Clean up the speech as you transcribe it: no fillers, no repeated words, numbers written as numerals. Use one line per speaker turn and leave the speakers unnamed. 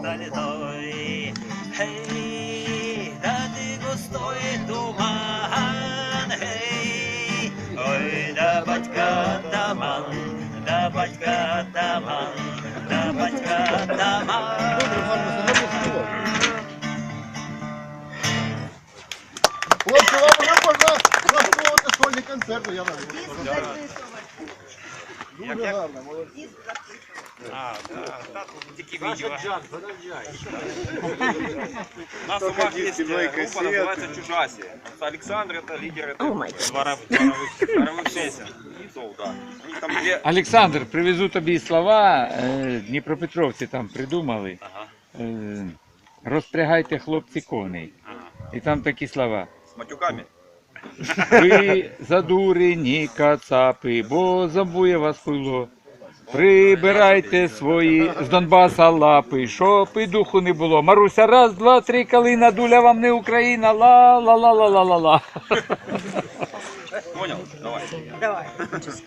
стальной. Эй, да ты густой туман, эй, ой, да батька таман, да батька таман, да батька таман.
Хлопці, вам вже можна влаштовувати сольні концерти, я навіть. Дуже гарно, молодці.
Тільки відео. У нас у вас есть группа, называется «Чужаси». Александр — это лидер дворовых песен. Да. У них там две...
Александр, привезу тобі слова, дніпропетровці там придумали. Розпрягайте, хлопці, коней. І там такі слова.
С матюками.
Ви задурені кацапи, бо забує вас пило. Прибирайте свої з Донбаса лапи, щоб і духу не було. Маруся, раз, два, три, калина, дуля вам не Україна, ла-ла-ла-ла-ла-ла-ла.
Понял? Давай.